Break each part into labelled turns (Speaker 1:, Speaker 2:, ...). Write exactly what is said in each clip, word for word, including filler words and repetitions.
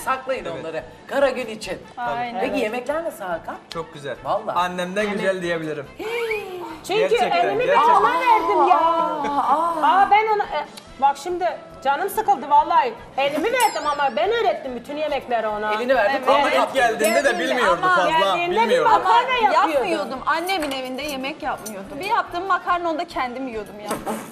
Speaker 1: saklayın onları. Kara gün için.
Speaker 2: Aynen.
Speaker 1: Peki yemekler nasıl Hakan?
Speaker 3: Çok güzel.
Speaker 1: Vallahi.
Speaker 3: Annemden güzel diyebilirim.
Speaker 4: Çünkü
Speaker 3: Gerçekten,
Speaker 4: elimi ben
Speaker 3: gerçekten.
Speaker 4: ona verdim ya. Aa, ben ona... e, bak şimdi canım sıkıldı vallahi. Elimi verdim ama ben öğrettim bütün yemekleri ona.
Speaker 1: Elini verdim.
Speaker 2: Evet.
Speaker 1: Ama
Speaker 3: Ama ilk geldiğinde de bilmiyordu fazla.
Speaker 4: Geldiğinde bir
Speaker 3: Bilmiyordu.
Speaker 4: makarna yapıyordum.
Speaker 2: Yapmıyordum. Annemin evinde yemek yapmıyordum. Bir yaptığım makarna onu da kendim yiyordum ya.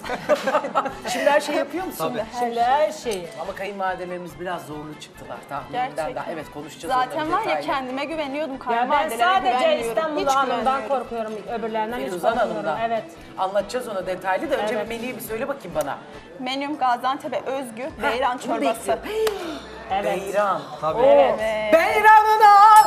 Speaker 1: Şimdi her şey yapıyor musun?
Speaker 3: Tabii.
Speaker 4: Şimdi her şeyi.
Speaker 1: Ama kayınvalidelerimiz biraz zorlu çıktılar tahminimden
Speaker 2: Gerçekten.
Speaker 1: daha. Evet konuşacağız
Speaker 2: Zaten
Speaker 1: onları
Speaker 2: var ya
Speaker 1: detaylı.
Speaker 2: kendime güveniyordum.
Speaker 4: Ya ben
Speaker 2: Kayınvalidelere
Speaker 4: sadece
Speaker 2: güvenmiyorum.
Speaker 4: İstanbul
Speaker 2: Hiç
Speaker 4: Hanım'dan
Speaker 2: güvenmiyorum.
Speaker 4: korkuyorum. Öbürlerinden hiç
Speaker 1: Firuzan
Speaker 4: korkmuyorum.
Speaker 1: Hanım'dan.
Speaker 4: Evet.
Speaker 1: Anlatacağız ona detaylı da önce
Speaker 4: Evet.
Speaker 1: bir menüyü bir söyle bakayım bana.
Speaker 2: Menüm Gaziantep'e özgü beyran
Speaker 1: bunu
Speaker 2: çorbası.
Speaker 4: Evet.
Speaker 1: Beyran.
Speaker 3: Tabii.
Speaker 2: Evet.
Speaker 1: Beyran'ın al!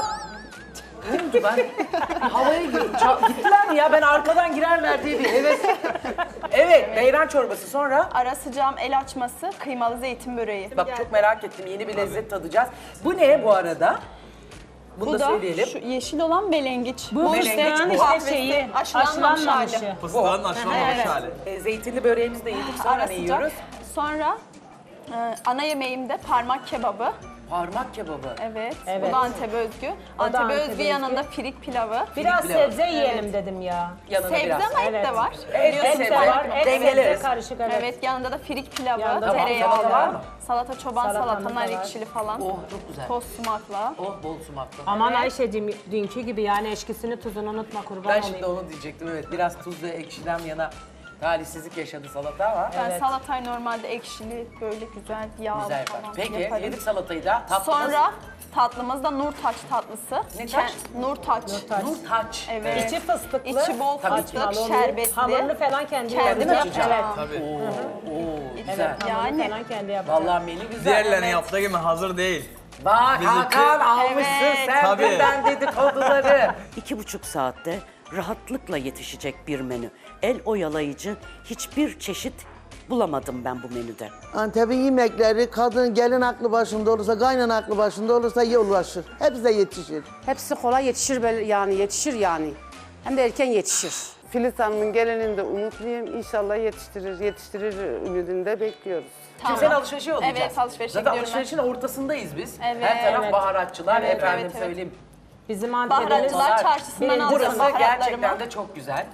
Speaker 1: Ne oldu ben? Havaya girdim. Ça- Gittiler mi ya? Ben arkadan girerler diye bir heves. Evet, beyran çorbası sonra.
Speaker 2: Ara sıcağım el açması, kıymalı zeytin böreği.
Speaker 1: Bak çok merak ettim. Yeni bir lezzet tadacağız. Bu ne bu arada? Bunu
Speaker 2: Bu
Speaker 1: da
Speaker 2: da
Speaker 1: söyleyelim.
Speaker 2: şu yeşil olan belengiç.
Speaker 4: Bu fıstığın işte
Speaker 2: kahvesi,
Speaker 4: şeyi,
Speaker 2: aşılanmamış hali.
Speaker 4: aşılanmamışı.
Speaker 3: Fıstığın aşılamamış
Speaker 2: Evet.
Speaker 3: hali.
Speaker 1: E, zeytinli böreğimizi de yedik. Sonra
Speaker 2: Ara
Speaker 1: ne
Speaker 2: sıcak.
Speaker 1: yiyoruz?
Speaker 2: Sonra e, ana yemeğimde parmak kebabı.
Speaker 1: Parmak kebabı.
Speaker 2: Evet.
Speaker 4: Evet.
Speaker 2: Bu da Antep özgü.
Speaker 4: da
Speaker 2: Antep
Speaker 4: Antep
Speaker 2: özgü
Speaker 4: özgü.
Speaker 2: yanında firik pilavı.
Speaker 4: Biraz
Speaker 1: pilav.
Speaker 4: sebze yiyelim dedim ya.
Speaker 1: Yanına
Speaker 2: Sebze
Speaker 1: biraz.
Speaker 2: ama et
Speaker 4: Evet.
Speaker 2: de var.
Speaker 1: Et,
Speaker 2: Biliyorsun
Speaker 1: et
Speaker 4: Et de
Speaker 1: Evet.
Speaker 4: var, et
Speaker 1: Dengeleriz.
Speaker 4: sebze karışık evet.
Speaker 2: Evet, yanında da firik pilavı,
Speaker 4: Yanında
Speaker 1: Tamam,
Speaker 2: tereyağlı,
Speaker 1: salata var mı?
Speaker 2: salata çoban
Speaker 4: Salatamız
Speaker 2: salata,
Speaker 4: da
Speaker 2: nar
Speaker 4: var.
Speaker 2: ekşili falan.
Speaker 1: Oh çok güzel.
Speaker 2: Toz sumakla.
Speaker 1: Oh bol sumaklı.
Speaker 4: Aman Ayşe'cim dünkü gibi yani eşkisini tuzunu unutma kurban
Speaker 1: Ben
Speaker 4: olayım.
Speaker 1: şimdi onu diyecektim evet. Biraz tuz ve ekşiden yana talihsizlik yaşadı salata ama.
Speaker 2: Ben
Speaker 4: Evet.
Speaker 2: salatayı normalde ekşili, böyle güzel, yağlı
Speaker 1: Güzel yapar.
Speaker 2: falan
Speaker 1: Peki
Speaker 2: yaparım.
Speaker 1: yedik salatayı da. Tatlımız.
Speaker 2: Sonra tatlımız da Nurtaç tatlısı.
Speaker 1: Ne
Speaker 2: Ke-
Speaker 1: taç?
Speaker 2: Nurtaç.
Speaker 4: Nurtaç.
Speaker 1: Nur taç.
Speaker 2: Evet.
Speaker 4: İçi fıstıklı.
Speaker 2: İçi bol
Speaker 1: Tabii
Speaker 2: fıstık,
Speaker 4: Açmalı,
Speaker 2: şerbetli.
Speaker 4: Hamurunu falan kendi,
Speaker 2: Kendi
Speaker 4: yapacak.
Speaker 1: açacağım.
Speaker 4: Evet.
Speaker 3: Tabii.
Speaker 1: Oo, oo güzel.
Speaker 2: Evet.
Speaker 4: Hamurunu
Speaker 2: Yani.
Speaker 4: falan kendi yapacak.
Speaker 1: Vallahi menü güzel.
Speaker 3: Diğerlerinin
Speaker 1: Evet.
Speaker 3: yaptığı gibi hazır değil.
Speaker 1: Bak
Speaker 3: Bizimki-
Speaker 1: Hakan almışsın
Speaker 2: Evet.
Speaker 1: sen
Speaker 3: Tabii.
Speaker 1: dünden dedikoduları.
Speaker 5: İki buçuk saatte rahatlıkla yetişecek bir menü. El oyalayıcı hiçbir çeşit bulamadım ben bu menüde.
Speaker 6: Antep'in yemekleri kadın gelin aklı başında olursa, kaynan aklı başında olursa iyi ulaşır. Hepsi de yetişir.
Speaker 7: Hepsi kolay yetişir böyle yani yetişir yani. Hem de erken yetişir.
Speaker 8: Filiz Hanım'ın gelinini de umutluyum. İnşallah yetiştirir, yetiştirir ümidinde bekliyoruz.
Speaker 1: Şimdi sen alışverişe yollayacağız.
Speaker 2: Evet, alışverişe
Speaker 1: Zaten
Speaker 2: gidiyorum ben.
Speaker 1: alışverişin ortasındayız biz.
Speaker 2: Evet.
Speaker 1: Her taraf
Speaker 4: Evet.
Speaker 1: baharatçılar,
Speaker 4: Evet,
Speaker 1: efendim
Speaker 2: evet, evet.
Speaker 1: söyleyeyim.
Speaker 4: Bizim Antep'imiz
Speaker 2: Baharatçılar çarşısından
Speaker 4: birinci
Speaker 2: alacağım
Speaker 1: Burası
Speaker 2: baharatlarımı.
Speaker 1: gerçekten de çok güzel.